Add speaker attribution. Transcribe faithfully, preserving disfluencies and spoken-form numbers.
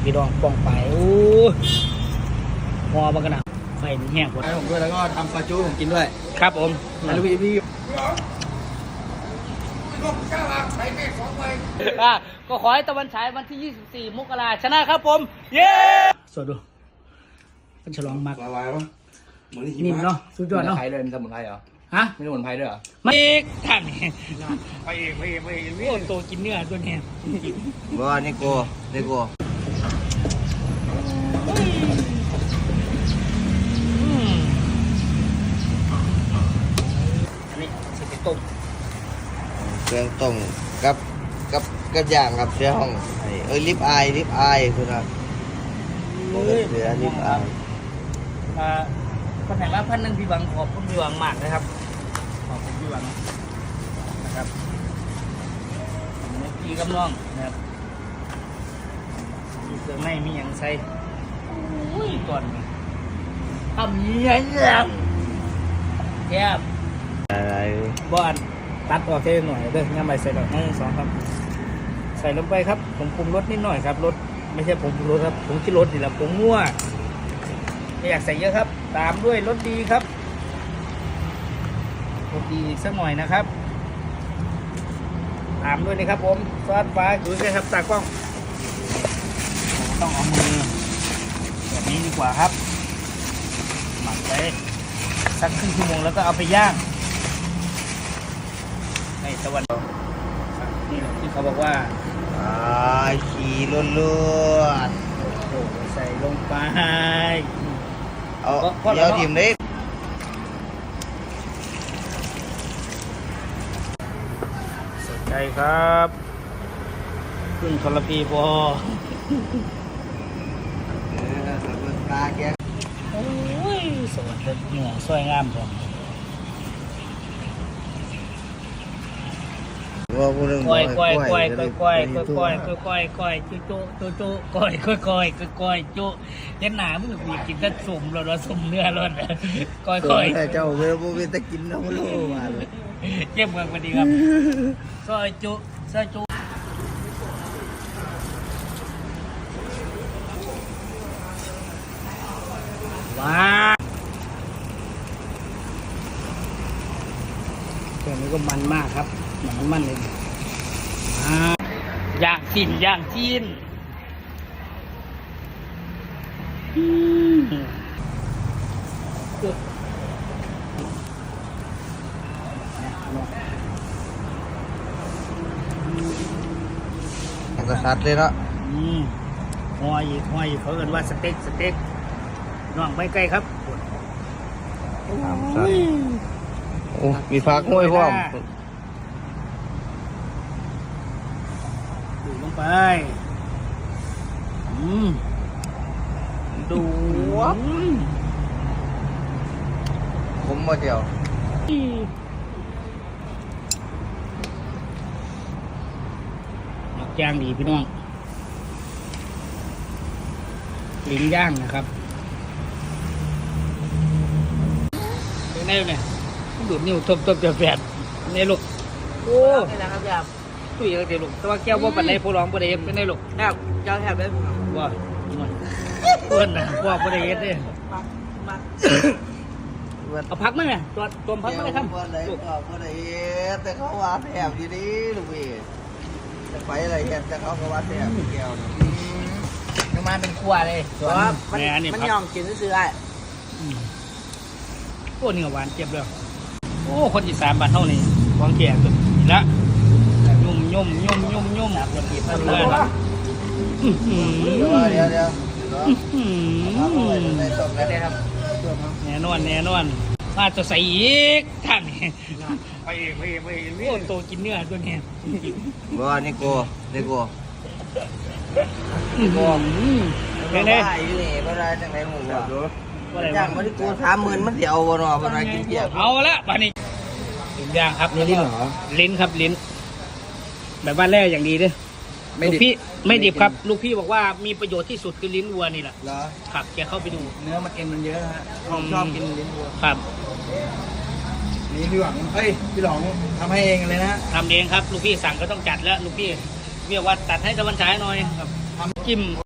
Speaker 1: พี่น้องป้องไปโอ้พอมันกันนะไฟแห้งหมด
Speaker 2: ให้ผมด้วยแล้วก็ทำซาจูผมกินด้วย
Speaker 1: ครับผม
Speaker 2: ลูกพี่พี่
Speaker 1: ก็ขอให้ตะวันฉายวันที่ยี่สิบสี่มกราชนะครับผมเย้สวัสดีเป็นฉลองมาก
Speaker 2: ละลายปะเหมือนที่
Speaker 1: นิ่มเนาะสุดยอดเนาะ
Speaker 2: ไทยเลยมีสมุนไพรเหรอ
Speaker 1: ฮะ
Speaker 2: มีสมุนไพรด้วยเหรอ
Speaker 1: มาเอกท่านไปเอกไปเอกไปเอกโอ้โตกินเนื้อตัวนี้
Speaker 2: บ่นี่โกนี่โก
Speaker 1: อันนี้จะไปต้ม
Speaker 2: เครื่องต้มกับกับกับย่างกับเสือห้องเอ้ยลิปอายลิปอายคือนะเสือลิปอาย
Speaker 1: อ่าคนไหนว่าพันหนึ่งพี่หวังขอบคุณพี่หวังมากนะครับขอบคุณพี่หวังนะครับพี่กำลังนะครับมีเครื่องในมีอย่างใส่โอ้ยก่อนทำยังไงเนี่ยแคบ
Speaker 2: อะไร
Speaker 1: บ้านตัดออกแค่หน่อยเด้องั้นไปใส่ดอกไม้สองครับใส่ลงไปครับผมปรุงรสนิดหน่อยครับรสไม่ใช่ผมปรุงรสครับผมที่รสนี่แหละผมมั่วไม่อยากใส่เยอะครับตามด้วยรสดีครับรสดีอีกสักหน่อยนะครับตามด้วยนะครับผมซอสฟ้าดูสิครับตากล้องต้องเอามือแบบนี้ดีกว่าครับหมักไปสักครึ่งชั่วโมงแล้วก็เอาไปย่างในตะวันนี่ที่เขาบอกว่า
Speaker 2: อ่าขี่ล้วนล้วน
Speaker 1: โอ้โหใส่ลงไป
Speaker 2: เอาเดี๋ยวทิมได้
Speaker 1: สนใจครับขึ้นทรพีบอ
Speaker 2: ตาแก
Speaker 1: โอ้ยสวัสดีเหนือสวยงามผม
Speaker 2: ว่าพูดเรื่อง
Speaker 1: ก้อยก้อยก้อยก้อยก้อยก้อยก้อยก้อยก้อยจุจุจุจุก้อยก้อยก้อยก้อยจุเย็นหนามึงมีกินแต่สุ่มเราเราสุ่มเนื้อร้อนก้อยก้อย
Speaker 2: เจ้าเวลาพูดตะกินน้ำลูกมาเลย
Speaker 1: เก็บเมืองพอดีครับซอยจุซอยจุว้าตัวนี้ก็มันมากครับมันมันเลยอ่าย่างจีนย่างจีนอืม
Speaker 2: มันก็ชัดเลยเนาะ
Speaker 1: อืมหอยอีกหอยอีกเขาเรียกว่าสเต็กสเต็กน้องไปไกลครับโอ้ย
Speaker 2: โอ้มีพักห้วยพร้อม
Speaker 1: ดูลงไปอืมดูว
Speaker 2: ผมมาเดียว
Speaker 1: หมักย่างดีพี่น้องลิ้นย่างนะครับเป็นไงเนี่ยดูดนิ้วทบทบจะแฝดนี่ลูกโอ้นี่แหละครับยามตุ้ยกันเดี๋ยวลูกแต่ว่าแก้วว่าปันในผู้ร้องประเดี๋ยวเป็นไงลูกแก้วแก้วแทบได้ว่าเพื่อนนะว่าประเดี๋ยวเนี่ยเอาพักมั้งเนี่ยตัวตัวพักมั้งเลยครับ
Speaker 2: ลูกเอาประเดี๋ยวแต่เขาว่าแถบอยู่ดีลูกพี่จะไปอะไรกันแต่เขาก็ว่าแถบแก้ว
Speaker 1: ยังมาเป็นครัวเลย
Speaker 2: เพราะว่ามัน
Speaker 1: มันยอมกินซื้อได้โอ้เนื้อหวานเจ็บเลยโอ้คนอีสานบ้านเท่านี้วางแก่สุดละยุ่มยุ่มยุ่มยุ่มยุ่มคนอีสานเลยนะ
Speaker 2: เดี๋ยวเดี๋ยวเดี๋ยว
Speaker 1: แน่นอนแน่นอนมาจะใส่อีกท่านไปเองไปเองไปเองโอ้โตกินเนื้อตัวนี้
Speaker 2: บ่นี่โกนี่โก
Speaker 1: เป็นไง
Speaker 2: ได้อยู่นี่บ่ได้จังได๋หมู่บ่ได้จังบ่ได้กูสามหมื่นมันสิเอาบ่เนาะบ่ได้กินเพียบ
Speaker 1: เอาละบ้านี้ลิ้นย่างครับ
Speaker 2: นี่ลิ้นเหรอ
Speaker 1: ลิ้นครับลิ้น แบบว่าแร่อย่างดีด้วยลูกพี่ไม่ดิบครับ ลูกพี่บอกว่ามีประโยชน์ที่สุดคือลิ้นวัวนี่แหละ
Speaker 2: เหรอ
Speaker 1: ครับแกเข้าไปดู
Speaker 2: เนื้อมันเอ็นมันเยอะฮะผมชอบกินลิ้นวัว
Speaker 1: ครับ
Speaker 2: นี่พี่หวังเฮ้ยพี่หลองทำให้เองเลยนะ
Speaker 1: ทำเองครับ ลูกพี่สั่งก็ต้องจัดแล้ว ลูกพี่เรียกว่าตัดให้ตะวันฉายหน่อยครับทำจิ้ม